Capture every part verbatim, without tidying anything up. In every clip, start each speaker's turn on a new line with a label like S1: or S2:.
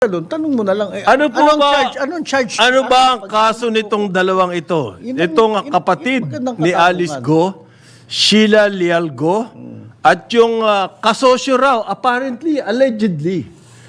S1: doon, tanong mo na lang, eh,
S2: Ano po
S1: anong
S2: ba,
S1: charge? Anong charge?
S2: ano ba ang kaso nitong dalawang ito?
S1: Yun ang-
S2: Itong
S1: yun-
S2: kapatid
S1: yun ang
S2: ni
S1: katanungan.
S2: Alice Go, Sheila Leal Go, at yung ah, kasosyo raw, apparently, allegedly,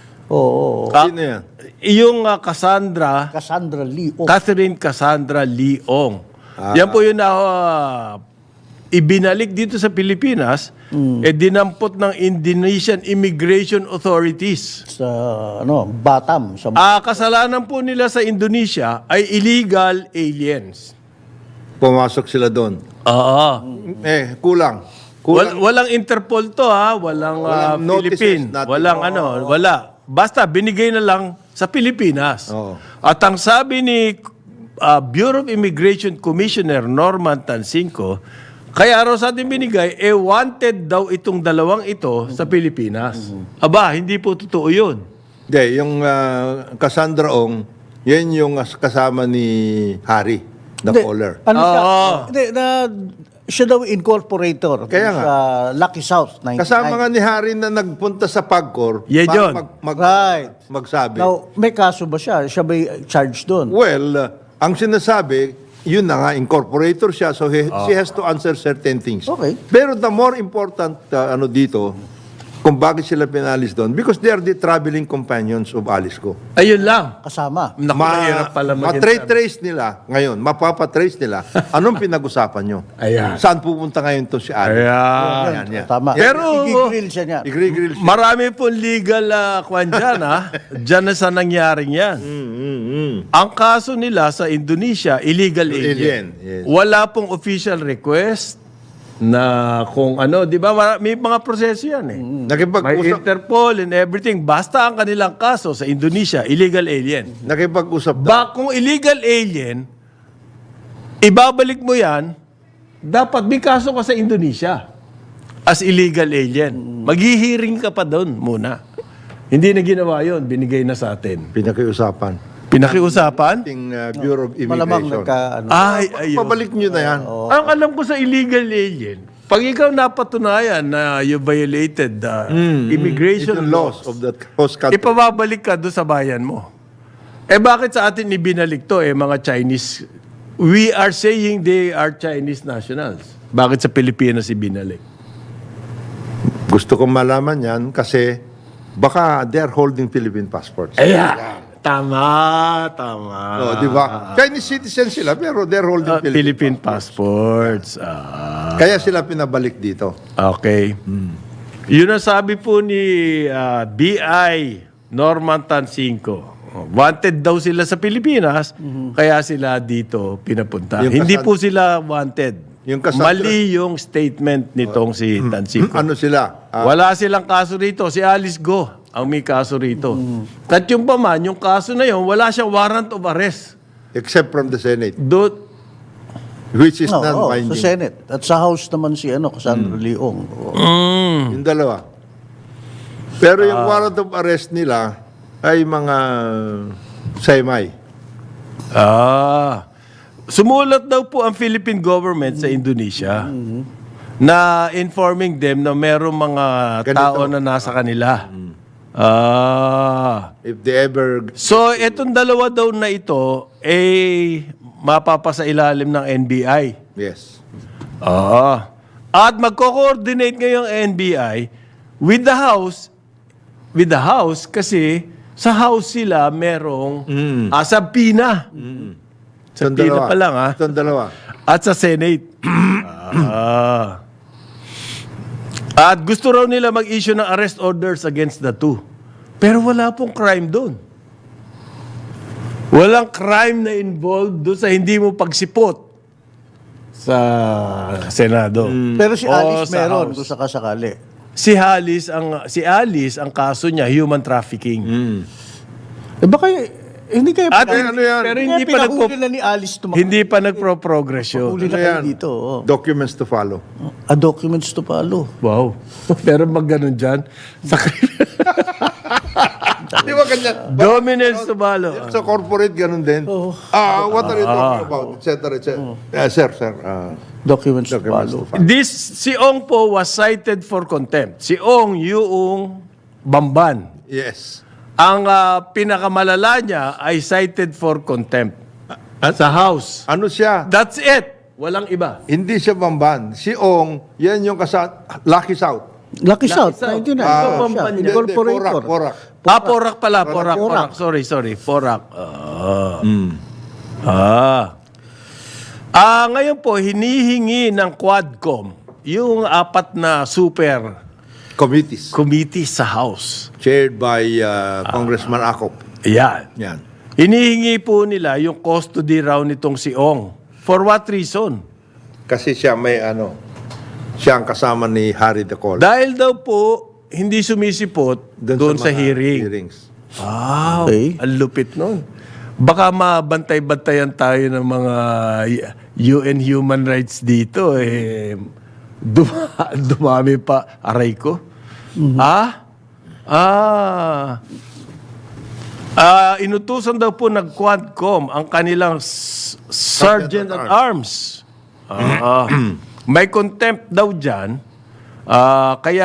S1: Oo.
S2: ah,
S3: Sino yan?
S2: yung ah, Cassandra,
S1: Cassandra Lee. Oh,
S2: Catherine Cassandra Leong. Yan po yun na ah, ibinalik dito sa Pilipinas, eh dinampot ng Indonesian Immigration Authorities.
S1: sa, ano, Batam. Sa,
S2: Ah, kasalanan po nila sa Indonesia ay illegal aliens.
S3: Pumasok sila doon.
S2: Oo.
S3: Eh, kulang.
S2: Wal-
S3: Kulang.
S2: walang Interpol to ha, walang, ah,
S3: Walang notices,
S2: Philippine,
S3: nothing.
S2: walang ano, wala. Basta binigay na lang sa Pilipinas.
S3: Oo.
S2: At ang sabi ni ah, Bureau of Immigration Commissioner Norman Tansinco, kaya raw sa atin binigay, eh wanted daw itong dalawang ito sa Pilipinas. Aba, hindi po totoo yun.
S3: Hindi, yung ah, Cassandra Ong, yan yung as- kasama ni Harry, the
S1: Hindi,
S3: caller.
S1: Ano siya?
S2: Oo.
S1: Hindi, na, siya daw incorporator.
S3: Kaya nga.
S1: Sa Lucky South, ninety-nine.
S3: Kasama nga ni Harry na nagpunta sa Pagcor
S2: Yan
S3: para
S2: yun.
S3: mag, mag-
S1: Right.
S3: magsabi.
S1: Now, may kaso ba siya? Siya ba charged doon?
S3: Well, uh, ang sinasabi, yun na nga, incorporator siya, so he, she has to answer certain things.
S1: Okay.
S3: Pero the more important uh, ano dito, kung bakit sila pinalis doon, because they are the traveling companions of Alice Go.
S2: Ayun lang.
S1: Kasama.
S2: Naku, mahirap pala maging-
S3: ma-trace nila ngayon, mapapatrace nila, anong pinag-usapan nyo?
S2: Ayan.
S3: Saan pupunta ngayon to si Alice?
S2: Ayan.
S3: Yan, yan.
S1: Tama.
S2: Pero-
S1: I-grill siya niya.
S3: I-grill siya.
S2: Marami pong legal uh, kwan dyan, ha? Diyan na sa nangyaring yan.
S3: Mm, mm, mm.
S2: Ang kaso nila sa Indonesia, illegal alien.
S3: Alien, yes.
S2: Wala pong official request na kung ano, di ba? Mara- May mga proseso yan eh. May
S3: Nakipag-usap,
S2: Interpol and everything. Basta ang kanilang kaso sa Indonesia, illegal alien.
S3: nakipag-usap daw.
S2: Ba, kung illegal alien, ibabalik mo yan, dapat may kaso ka sa Indonesia as illegal alien. Maghihiring ka pa doon muna. Hindi na ginawa yun, binigay na sa atin.
S3: Pinakiusapan.
S2: Pinakiusapan?
S3: Ating uh, Bureau of
S1: Malamang
S3: Immigration.
S1: nagka, ano.
S2: Ay, ayun.
S3: Pabalik nyo na yan.
S2: Ang alam ko sa illegal alien, pag ikaw napatunayan na you violated the immigration
S3: It's the
S2: laws,
S3: laws of that host country.
S2: ipababalik ka doon sa bayan mo. Eh bakit sa atin ibinalik to eh mga Chinese? We are saying they are Chinese nationals. Bakit sa Pilipinas ibinalik?
S3: Gusto kong malaman yan kasi baka they're holding Philippine passports.
S2: Ayan. Tama, tama.
S3: Oh, di ba? Chinese citizen sila pero they're holding
S2: Ah, Philippine
S3: Philippine.
S2: passports. Ah,
S3: Kaya sila pinabalik dito.
S2: okay. Yun ang sabi po ni ah, B I Norman Tansinco. Wanted daw sila sa Pilipinas, kaya sila dito pinapunta.
S3: Yung
S2: Hindi
S3: Cassandra-
S2: po sila wanted.
S3: Yung Cassandra-
S2: Mali yung statement nitong si Tansinco.
S3: Ano sila? Ah,
S2: Wala silang kaso rito. Si Alice Go ang may kaso rito. At yung pa man, yung kaso na yun, wala siyang warrant of arrest.
S3: except from the Senate,
S2: Do,
S3: which is
S1: No, oh, sa
S3: non-binding.
S1: Senate. At sa House naman si ano, Cassandra Leong. Oo.
S3: Yung dalawa. Pero yung warrant of arrest nila ay mga semi.
S2: ah, sumulat daw po ang Philippine government sa Indonesia na informing them na merong mga
S3: Ganito.
S2: tao na nasa kanila. Ah.
S3: If they ever...
S2: So, etong dalawa daw na ito, eh, mapapasa ilalim ng N B I.
S3: Yes.
S2: Ah. At magko-coordinate ngayong N B I with the House, with the House kasi sa House sila merong ah, sa PINA. Sa
S3: Itong
S2: PINA
S3: dalawa.
S2: pa lang ah.
S3: Itong dalawa.
S2: At sa Senate. ah. At gusto raw nila mag-issue ng arrest orders against the two. Pero wala pong crime doon. Walang crime na involved doon sa hindi mo pagsipot sa Senado.
S1: Pero si
S2: O
S1: Alice
S2: sa
S1: meron
S2: House.
S1: kung sakasakali.
S2: Si Alice ang si Alice ang kaso niya human trafficking.
S1: Eh baka, eh, hindi kayo
S2: At
S3: ano yan?
S2: pero
S1: Kaya
S2: hindi pa nagpo,
S1: pinahuli na ni Alice tumakbo.
S2: hindi pa nagpro-progress yun.
S1: Huli na
S3: Ano
S1: kayo
S3: yan?
S1: dito. Oh.
S3: Documents to follow.
S1: A documents to follow.
S2: Wow. Pero mag ganun dyan. Sa
S3: Di ba ganyan?
S2: dominance to balo.
S3: Sa corporate, ganun din. Ah, what are you talking about? Et cetera, et cetera. Yeah, sir, sir. Ah,
S1: Documents,
S3: documents
S1: to
S3: to
S1: follow.
S3: follow.
S2: This si Ong po was cited for contempt. Si Ong yung Bamban.
S3: Yes.
S2: Ang ah, pinakamalala niya ay cited for contempt sa House.
S3: Ano siya?
S2: That's it. Walang iba.
S3: Hindi siya bamban. Si Ong, yan yung kasa Lucky South.
S1: Lucky South,
S2: South.
S1: ninety-nine.
S2: Ah,
S1: Oh,
S2: Pampanga.
S1: siya,
S3: Hindi, hindi,
S1: incorporator.
S3: Porak, Porak.
S2: Ah, Porac pala. Porac,
S1: Porac.
S2: Porac. Sorry, sorry. Porac. Ah. Ah. Ah, ngayon po, hinihingi ng Quadcom yung apat na super
S3: Committees.
S2: committee sa House.
S3: Chaired by uh, Congressman Acop.
S2: Yan.
S3: Yan.
S2: Hinihingi po nila yung custody raw nitong si Ong. For what reason?
S3: Kasi siya may ano, siya ang kasama ni Harry de Col.
S2: Dahil daw po, hindi sumisipot doon sa,
S3: mga
S2: hearing.
S3: hearings.
S2: Wow,
S1: Okay.
S2: ang lupit nun. Baka mabantay-bantayan tayo ng mga U N human rights dito. Eh, duma- dumami pa. Aray ko. Ah? Ah. Ah, inutusan daw po ng Quadcom ang kanilang s- Sergeant at Arms. Ah, may contempt daw dyan. Ah, kaya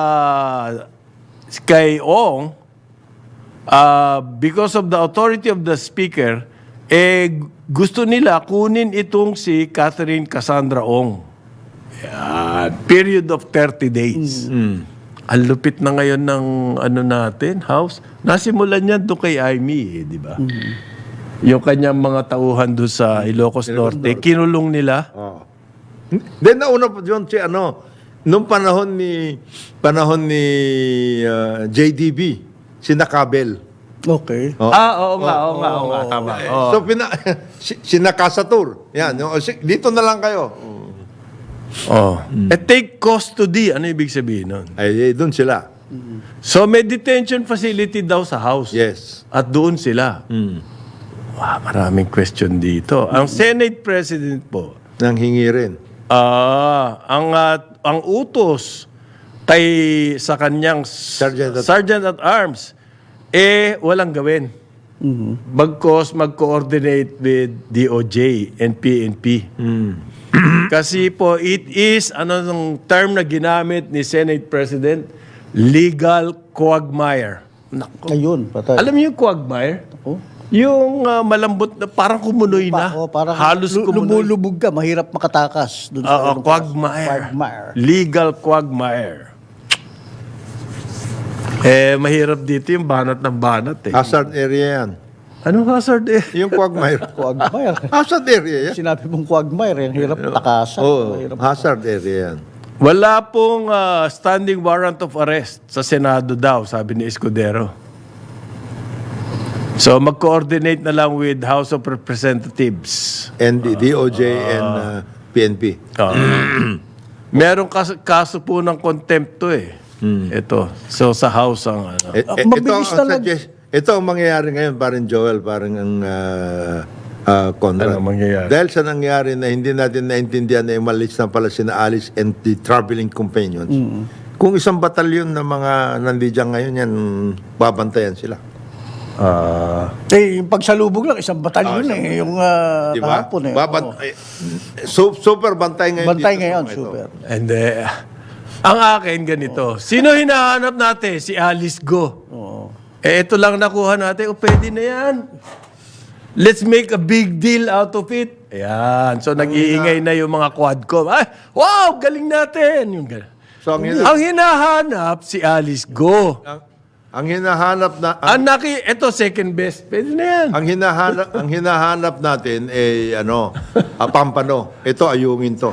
S2: kay Ong, ah, because of the authority of the Speaker, eh, gusto nila kunin itong si Catherine Cassandra Ong. Yan. Period of thirty days. Ang lupit na ngayon ng ano natin, House. Nasimulan niyan doon kay Amy, eh, di ba? Yung kanyang mga tauhan doon sa Ilocos Norte, kinulong nila.
S3: Oh. Then nauna po yun si ano, nung panahon ni panahon ni uh, J D B, si Nakabel.
S1: Okay.
S3: Oh.
S2: Ah, oo nga, oo nga, oo nga, tama. Oo.
S3: So pina si, si Nakasatur. Yan, yung- si- dito na lang kayo.
S2: Oh. Eh, take custody, ano ibig sabihin nun?
S3: Ay, eh, doon sila.
S2: So, may detention facility daw sa house.
S3: Yes.
S2: At doon sila. Wow, maraming question dito. Ang Senate President po,
S3: Nang hingi rin.
S2: ah, ang ah, ang utos kay sa kanyang s-
S3: Sergeant at-
S2: Sergeant at Arms eh walang gawin. Bagkos mag-coordinate with D O J and P N P. Kasi po it is ano ng term na ginamit ni Senate President, legal quagmire. Nako.
S1: Ayun, patay.
S2: Alam niyo yung quagmire?
S1: Ako.
S2: Yung ah, malambot na parang kumunoy na.
S1: Pa, oh, parang
S2: halos
S1: lu-
S2: kumunoy.
S1: lumulubog ka, mahirap makatakas. Dun
S2: Oo,
S1: ano,
S2: quagmire.
S1: Quagmire.
S2: Legal quagmire. Eh, mahirap dito yung banat ng banat eh.
S3: Hazard area yan.
S2: Anong hazard eh?
S3: Yung quagmire.
S1: Quagmire.
S3: Hazard area yan.
S1: Sinabi mong quagmire, ang hirap takasan.
S3: Oh,
S1: Mahirap.
S3: hazard area yan.
S2: Wala pong ah, standing warrant of arrest sa Senado daw, sabi ni Escudero. So, mag-coordinate na lang with House of Representatives.
S3: And the D O J and uh, P N P.
S2: Ah. Merong kas- kaso po ng contempt to eh. Ito. So, sa House ang ano.
S3: Eh,
S1: Ah,
S3: eh, ito,
S1: mabilis
S3: ang
S1: na lang.
S3: suggest, ito ang mangyayari ngayon, parang Joel, parang ang uh, uh, Conrad.
S2: Ano mangyayari?
S3: Dahil sa nangyari na hindi natin naintindihan na umalis na pala sina Alice and the traveling companions, kung isang batalyon na mga nandiyan ngayon yan, babantayan sila.
S2: Ah.
S1: Eh, yung pagsalubog lang, isang batalyon eh. Yung uh,
S3: Di ba?
S1: kahapon eh.
S3: Baban-
S1: Oo.
S3: eh, su- super bantay ngayon.
S1: Bantay
S3: dito sa
S1: ngayon,
S3: mga ito.
S1: super.
S2: And eh, ang akin ganito. Sino hinahanap natin? Si Alice Go.
S1: Oo.
S2: Eh, ito lang nakuha natin. O, pwede na yan. Let's make a big deal out of it. Ayan. So, nag-iingay na yung mga quadcom. Ay, wow, galing natin. Yung gan-
S3: So, ang, hina-
S2: Ang hinahanap, si Alice Go.
S3: ang, ang hinahanap na... Ang,
S2: Ang naki, ito second best. Pwede na yan.
S3: ang hinahanap ang hinahanap natin eh ano, ah, pampano. Ito ayungin to.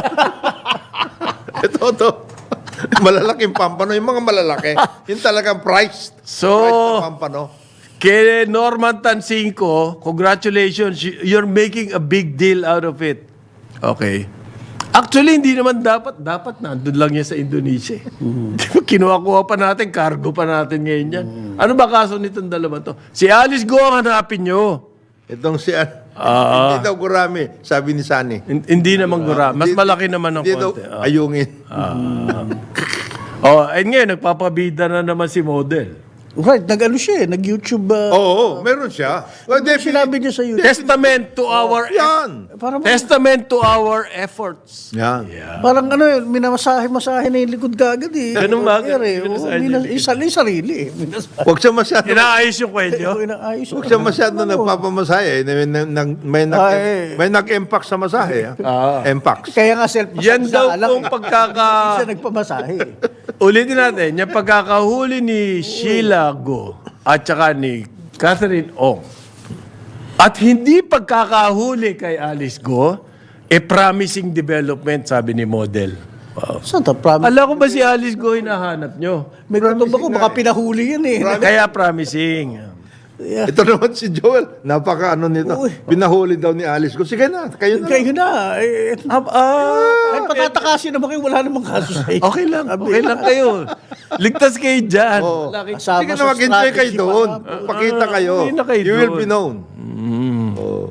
S3: ito to. Malalaking pampano, yung mga malalaki. Yung talagang priced.
S2: So,
S3: priced na pampano.
S2: kay Norman Tansinko, congratulations. y- You're making a big deal out of it. Okay. Actually, hindi naman dapat. Dapat nandun lang yan sa Indonesia. Di ba, kinuha-kuha pa natin, cargo pa natin ngayon yan. Ano ba kaso nitong dalawa to? Si Alice Go ang hanapin nyo.
S3: Itong si
S2: Ah.
S3: hindi daw gurami, sabi ni Sani.
S2: Hin- Hindi naman gura. Mas
S3: Hindi-
S2: malaki naman ng
S3: Hindi daw
S2: konti. Ah.
S3: ayungin.
S2: Oh, ayun ngayon, nagpapabida na naman si model.
S1: Right, nag-ano siya eh, nag-YouTube. Uh,
S3: Oo, oh, meron siya. Well, definitely-
S1: sinabi niya sa YouTube.
S2: Testament to our
S3: Yan.
S1: Parang,
S2: testament to our efforts.
S3: Yan.
S1: parang ano yun, minamasahe-masahe na yung likod kagad eh.
S2: Ganun ba?
S1: Sir, eh.
S2: Minamasahe
S1: Oo,
S2: niya
S1: minas-
S2: yung likod.
S1: isa- yung sarili eh. Minamasahe.
S3: Huwag siya masyado,
S2: Inaayos yung kwento.
S1: Oo, inaayos.
S3: huwag siya masyado nagpapamasahe. eh. May, may, may, nag,
S1: Ay.
S3: may nag-impact sa masahe. Ah. Impact.
S1: Kaya nga self
S2: Yan daw kung
S1: Hindi
S2: pagkaka...
S1: siya nagpamasahe.
S2: Ulitin natin, yung pagkakahuli ni Sheila Go at saka ni Catherine Ong at hindi pagkakahuli kay Alice Go, e promising development, sabi ni model. Wow.
S1: Saan ta? Promise.
S2: Alam ko ba si Alice Go hinahanap nyo?
S1: May gutom ako, baka pinahuli yan eh.
S2: Kaya promising.
S1: Yeah.
S3: Ito naman si Joel. Napaka ano nito.
S1: Uy.
S3: Pinahuli daw ni Alice ko. Sige na, kayo na.
S1: Kayo na. Eh,
S2: Ah, ah,
S1: Ay, patatakasin naman kayo, wala namang kaso sa inyo.
S2: okay lang, okay lang kayo. Ligtas kayo dyan.
S3: Oo.
S2: Laki-
S1: Kasama
S3: Sige
S1: sa
S3: na, mag-enjoy kayo
S1: strategy
S3: doon.
S1: pa nga.
S3: Pakita kayo.
S2: hindi na kayo
S3: You will
S2: doon.
S3: be known. Oo.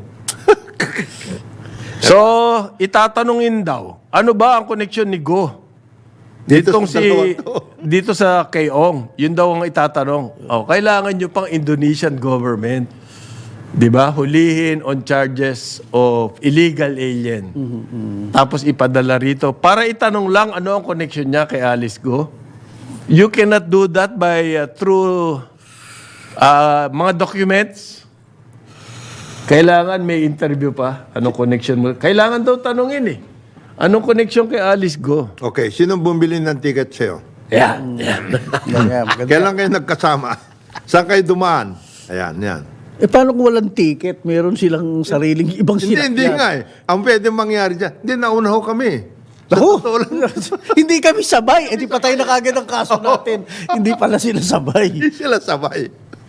S2: So, itatanungin daw, ano ba ang koneksyon ni Go?
S3: Dito
S2: Ditong
S3: sa
S2: si
S3: dalawang to.
S2: dito sa Kayong, yun daw ang itatanong. Oh, kailangan nyo pang Indonesian government, 'di ba? Hulihin on charges of illegal alien. Tapos ipadala rito para itanong lang ano ang connection niya kay Alice Go. You cannot do that by uh, through uh, mga documents. Kailangan may interview pa. Anong connection mo? Kailangan daw tanungin eh. Anong connection kay Alice Go?
S3: Okay, sinong bumili ng ticket sa'yo?
S2: Yan, yan.
S1: Ganyan, maganda.
S3: Kailan kayo nagkasama? Saan kayo dumaan? Ayan, yan.
S1: Eh, paano kung walang ticket? Meron silang sariling ibang
S3: Hindi,
S1: sinakyan.
S3: hindi nga eh. Ang pwede mangyari dyan, hindi, nauna ho kami. Sa
S1: Ako,
S3: totoo lang,
S1: hindi kami sabay. Eh, di patay na kagad ang kaso natin. Hindi pala sila sabay.
S3: hindi sila sabay.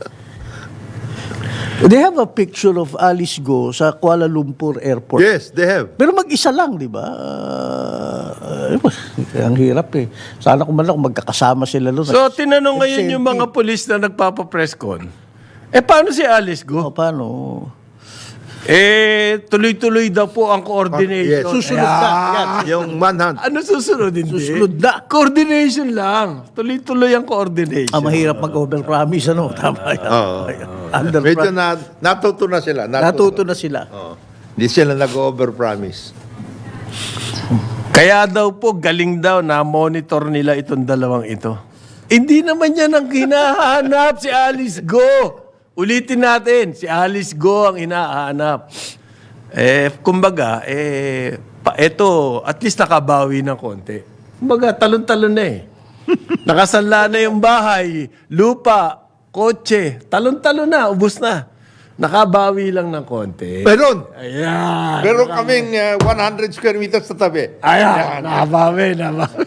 S1: They have a picture of Alice Go sa Kuala Lumpur Airport.
S3: Yes, they have.
S1: Pero mag-isa lang, di ba? Uh, ang hirap eh. Sana kung man lang magkakasama sila doon.
S2: So, tinanong ngayon yung mga polis na nagpapa-press con, eh, paano si Alice
S1: O,
S2: Go?
S1: paano?
S2: Eh, tuloy-tuloy daw po ang coordination.
S3: Yes.
S1: Susunod na. Yan.
S3: Yung manhunt.
S2: Ano susunod? Hindi.
S1: Susunod na.
S2: Coordination lang. Tuloy-tuloy ang coordination.
S1: Ah, mahirap mag-overpromise, ano? Tama yan.
S3: Oo.
S1: Under
S3: Medyo na, natuto na sila.
S1: Natuto na sila.
S3: Oo. Hindi sila nag-overpromise.
S2: Kaya daw po, galing daw na monitor nila itong dalawang ito. Hindi naman yan ang hinahanap si Alice Go. Ulitin natin, si Alice Go ang hinahanap. Eh, kumbaga, eh, pa, eto, at least nakabawi ng konti. Kumbaga, talon-talon na eh. Nakasanla na yung bahay, lupa, kotse, talon-talon na, ubus na. Nakabawi lang ng konti.
S3: Meron.
S2: Ayan.
S3: Meron kaming uh, one hundred square meters sa tabi.
S2: Ayan, nakabawi, nakabawi.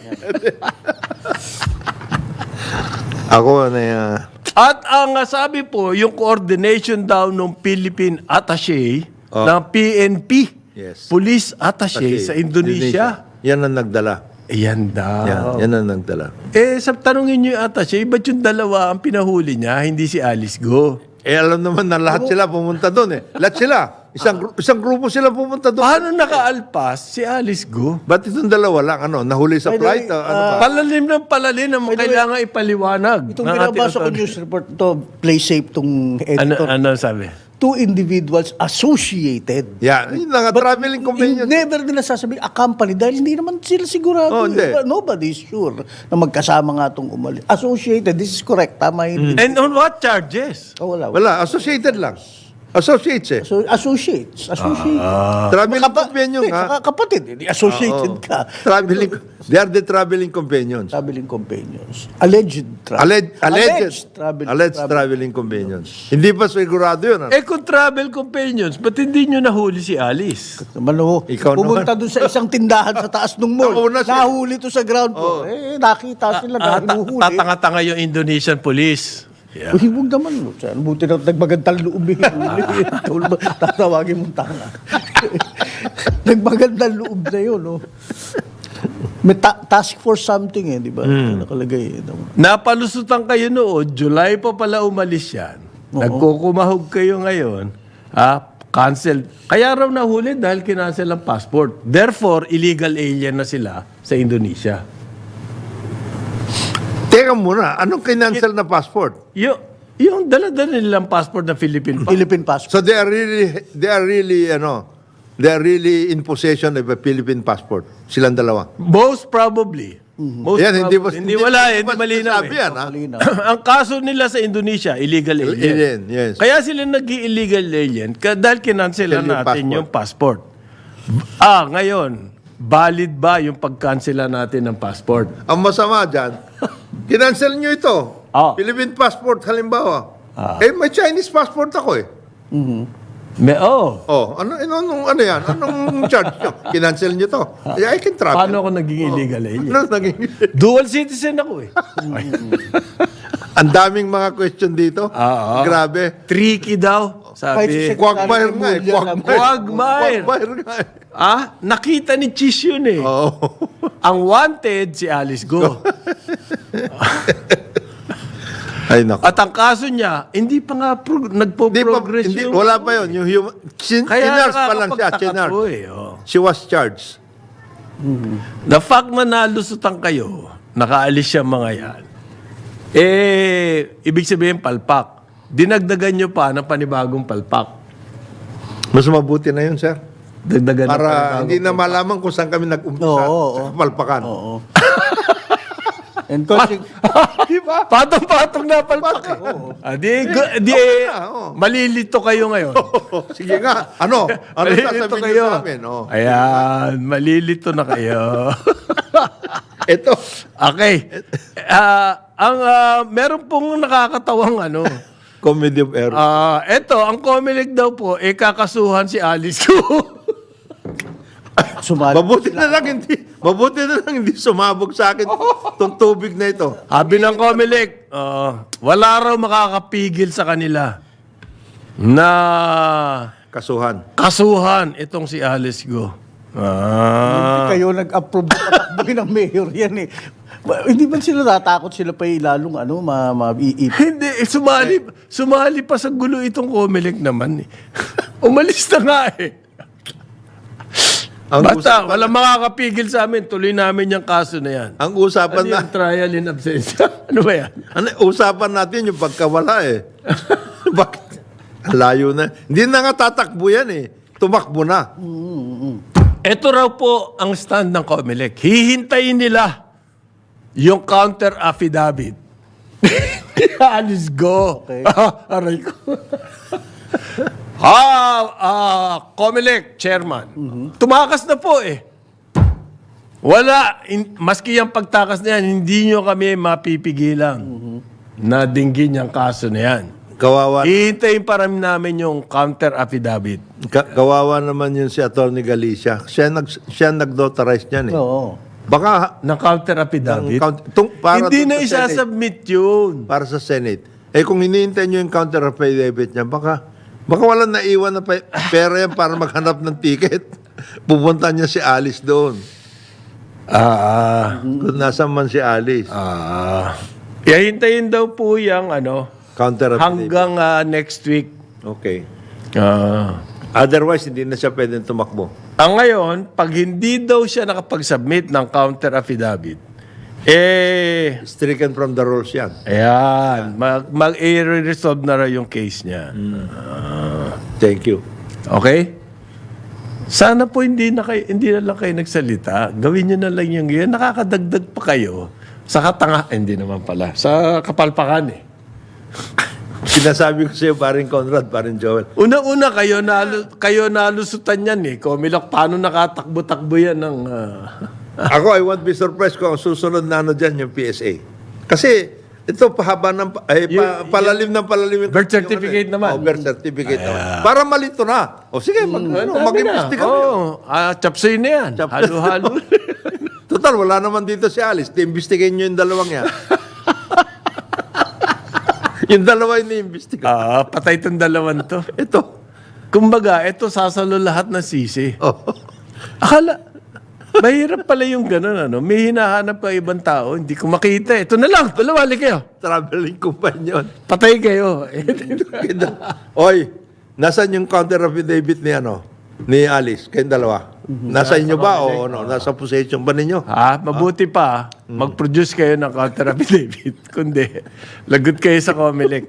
S3: Ako na uh,
S2: At ang uh, sabi po, yung coordination daw ng Philippine Attaché,
S3: Oh.
S2: ng P N P,
S3: Yes.
S2: Police Attaché sa Indonesia.
S3: Yan ang nagdala.
S2: Ayan daw.
S3: Yan, yan ang nagdala.
S2: Eh, sa tanungin nyo yung Attaché, ba't yung dalawa ang pinahuli niya, hindi si Alice Go?
S3: Eh, alam naman na lahat sila pumunta doon eh. Lahat sila. Isang, gru- isang grupo sila pumunta doon.
S2: Paano nakaalpas si Alice Go?
S3: Ba't itong dalawa lang? Ano, nahuli sa
S1: By the
S3: flight?
S1: way,
S3: o ano ba?
S2: Palalim ng palalim ang kailangan ipaliwanag.
S1: Itong
S2: ng ating
S1: binabasa ko
S2: authority.
S1: news report to, play safe tong
S2: Ano,
S1: editor.
S2: ano sabi?
S1: Two individuals associated.
S3: Yan. Yun lang,
S1: But
S3: traveling companion.
S1: never nila sasabihin a company dahil hindi naman sila sigurado.
S3: Oh, hindi.
S1: Nobody is sure na magkasama nga itong umalis. Associated, this is correct. Tama yun.
S2: And on what charges?
S1: Oh, wala.
S3: Wala, associated lang. Associates eh.
S1: So, associates. Associated.
S3: Traveling
S1: Kapa-
S3: companion
S1: Hindi,
S3: nga.
S1: saka kapatid. Hindi associated
S3: Oo.
S1: ka.
S3: Traveling, they are the traveling companions.
S1: Traveling companions. Alleged tra-
S3: Alleged, alleged,
S1: travel-
S3: alleged
S1: travel-
S3: traveling companions. Hindi pa sigurado yun. Ano?
S2: Eh kung travel companions, ba't hindi nyo nahuli si Alice?
S1: Naman ho.
S3: Ikaw
S1: Pumunta doon sa isang tindahan sa taas ng mall.
S3: Nauna siya.
S1: Nahuli to sa ground floor. Eh, nakita sila na
S2: Ah, ta-
S1: hinuhuli.
S2: tatanga-tanga yung Indonesian police. Yeah.
S1: Uy, huwag naman. no. Saan, buti na nagmagandang loob eh. Huli. Tatawagin mong tanga. Nagmagandang loob na yun, no? May ta- task force something eh, di ba? Nakalagay eh. no?
S2: Napalusutan kayo noon, July pa pala umalis yan. Nagkukumahog kayo ngayon, ah, cancel. Kaya raw nahuli dahil kinancel ang passport. Therefore, illegal alien na sila sa Indonesia.
S3: Teka muna, anong kinancel na passport?
S2: Yung, yung dala-dala nilang passport na Philippine passport.
S1: Philippine passport.
S3: So they are really, they are really, ano, they are really in possession of a Philippine passport. Silang dalawa.
S2: Most probably. Most
S3: Yan, hindi
S2: probably.
S3: ba-
S2: hindi,
S3: hindi-
S2: wala,
S3: hindi
S2: hindi
S3: ba
S2: malinaw
S3: sinasabi
S2: eh.
S3: yan, ha?
S1: Malinaw.
S2: Ang kaso nila sa Indonesia, illegal alien.
S3: Alien, yes.
S2: Kaya sila nag-illegal alien ka- dahil kinancelan
S3: Yung
S2: natin
S3: passport.
S2: yung passport. Ah, ngayon, valid ba yung pagkansela natin ng passport?
S3: Ang masama dyan, kinancel nyo ito.
S2: Ah.
S3: Philippine passport, halimbawa.
S2: Ah.
S3: Eh, may Chinese passport ako eh.
S2: May, oh,
S3: Oh, ano, ano, ano, ano yan? Anong charge nyo? Kinancel nyo to. Eh, I can travel.
S2: paano ako naging illegal alien?
S3: Ano naging...
S2: Dual citizen ako eh.
S3: Ang daming mga question dito.
S2: Ah, ah.
S3: Grabe.
S2: Tricky daw,
S1: Kahit
S2: sabi.
S1: si
S3: Quagmire nga eh.
S1: Quagmire.
S2: Quagmire.
S3: Quagmire nga eh.
S2: Ah, nakita ni Chis yun eh.
S3: Oo.
S2: Ang wanted, si Alice Go.
S3: Ay, naku.
S2: At ang kaso niya, hindi pa nga pro-
S3: Hindi pa,
S2: nagpo-progress
S3: hindi,
S2: yung...
S3: wala pa yun. Yung human... Chin,
S2: Kaya
S3: chinards pa lang siya.
S2: nakakapagtaka
S3: Chinards.
S2: po eh. Oh.
S3: She was charged.
S2: The fact na nalusutan kayo, nakaalis siya mga yan, eh, ibig sabihin palpak. Dinagdagan nyo pa ng panibagong palpak.
S3: Mas mabuti na yun, sir.
S2: Dagdagan ng
S3: Para
S2: panibagong
S3: hindi na malaman kung saan kami nag-umpisa
S1: Oo, oo,
S3: sa
S1: oo.
S3: kapalpakan.
S1: Oo. And conse-
S3: Di ba?
S2: Patong-patong na palpak. eh. Ah, di, gu- di,
S3: na, oo.
S2: malilito kayo ngayon.
S3: Sige nga. Ano? Ano
S2: malilito
S3: sasabihin
S2: kayo.
S3: niyo sa amin? Oh.
S2: Ayan, malilito na kayo.
S3: Ito.
S2: Okay. Ah, ang ah, meron pong nakakatawang ano.
S3: Comedy of error.
S2: Ah, eto, ang Comelec daw po, eh kakasuhan si Alice ko.
S1: Sumali.
S3: Mabuti na lang hindi, mabuti na lang hindi sumabog sa akin itong tubig na ito.
S2: Sabi ng Comelec, ah, wala raw makakapigil sa kanila na
S3: Kasuhan.
S2: kasuhan itong si Alice Go. Ah.
S1: Kayo nag-approve na patakbuhin ng mayor yan eh. Ba- Hindi ba sila natakot sila pa ilalong ano, ma, ma i- i-
S2: Hindi, eh, sumali, sumali pa sa gulo itong Comelec naman eh. Umalis na nga eh.
S3: Ang
S2: Basta,
S3: usapan,
S2: walang makakapigil sa amin. Tuloy namin yung kaso na yan.
S3: ang usapan
S2: Ano
S3: na,
S2: yung trial in absentia? Ano ba yan?
S3: ano, usapan natin yung pagkawala eh. Bakit? Ang layo na. Hindi na nga tatakbo yan eh. Tumakbo na.
S2: Ito raw po ang stand ng Comelec. Hihintayin nila yung counter affidavit. Alice go.
S1: Okay.
S2: Aray ko. ah, ah, Comelec chairman. Tumakas na po eh. Wala, in, maski yung pagtakas na yan, hindi nyo kami mapipigilan na dinggin yung kaso na yan.
S3: Kawawa,
S2: Hihintayin pa rin namin yung counter affidavit.
S3: ka- kawawa naman yun si Atty. Galicia. Siya, nag, siya nag-notarize niyan eh.
S1: Oo.
S3: Baka
S2: Ng counter affidavit?
S3: Ng count- tung- para
S2: Hindi
S3: dun
S2: na
S3: sa Senate.
S2: isasubmit yun.
S3: para sa Senate. Eh kung hinihintay nyo yung counter affidavit niya, baka, baka walang naiwan na pa- pera yan para maghanap ng ticket. Pupunta niya si Alice doon.
S2: Ah,
S3: Kung nasaan man si Alice.
S2: ah. Hihintayin daw po yung ano,
S3: Counter affidavit.
S2: hanggang ah, next week.
S3: Okay.
S2: Ah.
S3: Otherwise, hindi na siya pwedeng tumakbo.
S2: Ang ngayon, pag hindi daw siya nakapag-submit ng counter affidavit, eh,
S3: Stricken from the rules yan.
S2: ayan, mag- mag-resolve na raw yung case niya.
S3: Thank you.
S2: Okay? Sana po hindi na kayo, hindi na lang kayo nagsalita. Gawin niyo na lang yung yan. Nakakadagdag pa kayo sa katanga. eh, Hindi naman pala. Sa kapalpakan eh.
S3: Sinasabi ko sa iyo, paring Conrad, paring Joel.
S2: Una-una kayo, nalu, kayo nalusutan yan eh. Komilok, paano nakatakbo-takbo yan ng... ah,
S3: Ako, I won't be surprised kung ang susunod na ano dyan, yung P S A. Kasi, ito pahaba ng, pa- ay, pa-
S2: Yung-
S3: palalim ng palalim. yung-
S2: Birth certificate
S3: yung ano eh.
S2: naman.
S3: Oh, birth certificate naman. Para malito na. O sige, mag, ano,
S2: dami na.
S3: mag-imbestiga kayo.
S2: Oo, ah, chapsoy na yan. Halo-halo.
S3: Total, wala naman dito si Alice. Imbestigayin nyo yung dalawang yan. yung dalawa yung ni-imbestiga.
S2: Ah, patay tong dalawan to.
S3: Ito.
S2: Kumbaga, ito sasalo lahat ng sisi.
S3: Oh.
S2: Akala, mahirap pala yung gano'n, ano? May hinahanap ka ibang tao, hindi ko makita. Ito na lang, dalawali kayo.
S3: Traveling companion.
S2: Patay kayo.
S3: Oy, nasan yung counter affidavit ni ano? ni Alice, kayong dalawa. Nasa inyo ba o ano? Nasa possession ba ninyo?
S2: Ha? Mabuti pa, mag-produce kayo ng counter affidavit. Kundi, lagot kayo sa Comelec.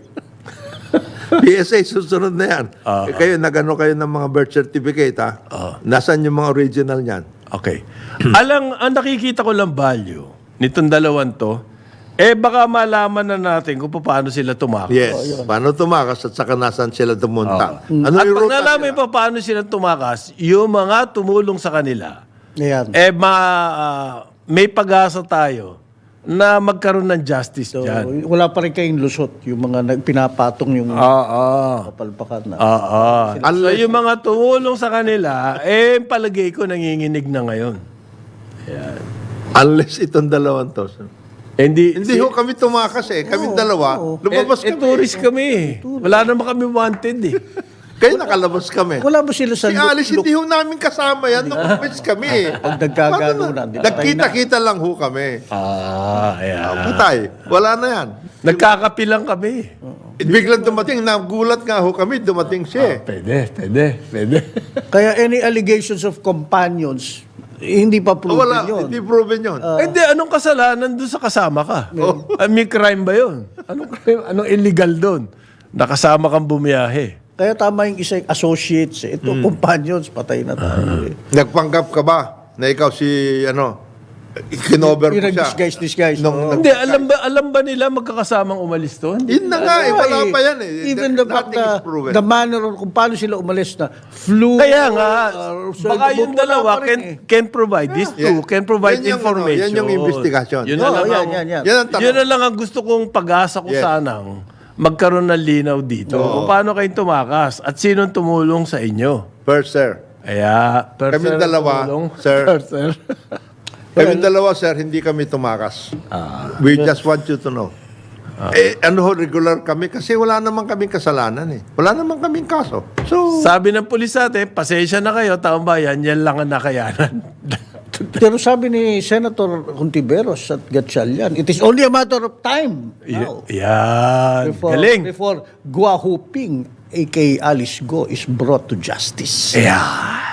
S3: P S A, susunod na yan. Eh, kayo, nagano kayo ng mga birth certificate, ha? Nasaan yung mga original niyan?
S2: Okay. Alang, ang nakikita ko lang value nitong dalawang to, eh baka malaman na natin kung paano sila tumakas.
S3: Yes. Paano tumakas at saka nasaan sila tumunta? Ano
S2: At
S3: yung
S2: pag
S3: ruta
S2: nalaman
S3: nila?
S2: pa paano sila tumakas, yung mga tumulong sa kanila,
S1: Ayan.
S2: eh ma, ah, may pag-asa tayo na magkaroon ng justice
S1: So,
S2: dyan.
S1: wala pa rin kayong lusot, yung mga nagpinapatong yung
S2: Oo.
S1: kapalpakan na.
S2: Oo. So
S3: Unless-
S2: yung mga tumulong sa kanila, eh palagay ko nanginginig na ngayon.
S3: Unless itong dalawang to.
S2: Eh, Hindi,
S3: Hindi ho kami tumakas eh. Kami dalawa. Lumabas
S2: eh, eh,
S3: kami.
S2: tourist kami eh. Wala naman kami wanted eh.
S3: Kayo nakalabas kami.
S1: Wala ba sila sa
S3: Si Alice, hindi ho namin kasama yan. Nung kami eh.
S1: Pag nagkagano na, di ba?
S3: Nagkita-kita lang ho kami.
S2: Ah, ayan.
S3: Patay. Wala na yan.
S2: Nagkakapilang kami.
S3: Eh, biglang dumating. Nagulat nga ho kami. Dumating siya eh.
S2: Pwede, pwede, pwede.
S1: Kaya any allegations of companions, eh, hindi pa
S3: Ah,
S1: proven
S3: wala.
S1: yun.
S3: Hindi proven yun.
S2: Eh, Hindi, anong kasalanan doon sa kasama ka? Ah, may crime ba yun? Anong crime? Anong illegal doon? Nakasama kang bumiyahe.
S1: Kaya tama yung isa yung associates. eh. Ito, companions, patay na tayo. eh.
S3: Nagpanggap ka ba na ikaw si ano? Kinover mo
S1: Yung
S3: siya?
S1: disguise, disguise.
S3: Nung-
S1: oo.
S2: Hindi, alam ba alam ba nila magkakasamang umalis doon?
S3: Yun na nga eh.
S1: Ano
S3: Wala
S1: eh,
S3: pa yan eh.
S1: Even the fact
S3: Nothing
S1: na
S3: is proven.
S1: the manner on kung paano sila umalis na flew.
S2: Kaya nga,
S1: uh, so,
S2: baka yung
S1: wala
S2: dalawa
S1: pa rin
S2: can,
S1: eh.
S2: can provide this too,
S3: Yeah.
S2: can provide
S3: Yan yung ano,
S2: information.
S3: yan yung investigation.
S2: Yun na
S1: Oo,
S2: lang
S1: yan,
S2: ang,
S1: yan, yan.
S3: Yan ang tanong.
S2: yun na lang ang gusto kong pag-asa ko
S3: Yes.
S2: sanang magkaroon ng linaw dito. Kung paano kayo tumakas at sinong tumulong sa inyo.
S3: First, sir.
S2: Kaya, per
S3: Kami
S2: sir,
S3: dalawa,
S2: tumulong.
S3: sir.
S2: Per sir.
S3: Kami dalawa, sir, hindi kami tumakas.
S2: Ah.
S3: We just want you to know. Eh, ano ho, regular kami kasi wala naman kaming kasalanan eh. Wala naman kaming kaso. So,
S2: Sabi ng pulis natin, pasensya na kayo, taong bayan, yan lang ang nakayanan.
S1: Pero sabi ni Senator Contiveros at Gatchalian, it is only a matter of time now.
S2: Yan.
S1: Before,
S2: Galing.
S1: before Gua Huping, a k a. Alice Go, is brought to justice.
S2: Yeah.